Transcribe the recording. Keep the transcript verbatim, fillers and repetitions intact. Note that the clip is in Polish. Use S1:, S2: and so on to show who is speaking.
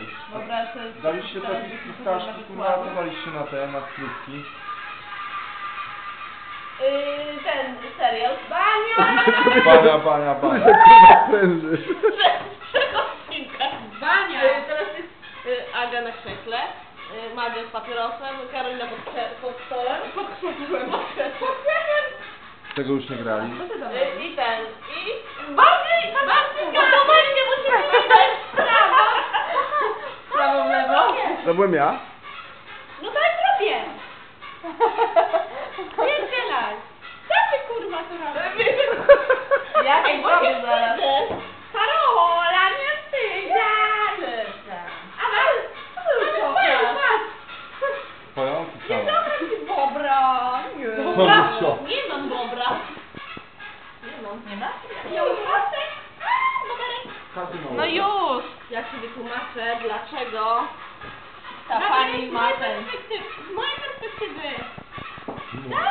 S1: Dobra, to jest...
S2: Daliście takie pistaszki, kurwa, co daliście na te, na skrótki?
S1: Yy, ten serial. Bania!
S2: Bania, bania,
S3: Który
S2: bania.
S3: się kurwa pręży.
S1: Przechodzinka. Bania! Yy, teraz jest yy, Aga na krześle, yy, Madzia z papierosem, Karolina pod, krze- pod stołem. Pod krzesłem. Pod krzesłem.
S2: Tego już nie grali.
S1: Yy, I ten, i... Bardziej! Bardziej! No to właśnie musimy wyjść w prawo! Prawo, w lewo?
S3: To byłem ja.
S1: No tak robię! Nie strzelaj! Co ty kurwa tu robisz? Ja ej, zrobię zaraz. Karola, nie wstydzaj! A was?
S2: Twoją czy samą?
S1: Nie bobra! Nie.
S2: Bobra. Co?
S1: Nie mam bobra. Nie mam. Nie ma? Nie
S2: Kasyno.
S1: No już! Ja ci wytłumaczę, dlaczego ta pani ma ten... Z mojej perspektywy.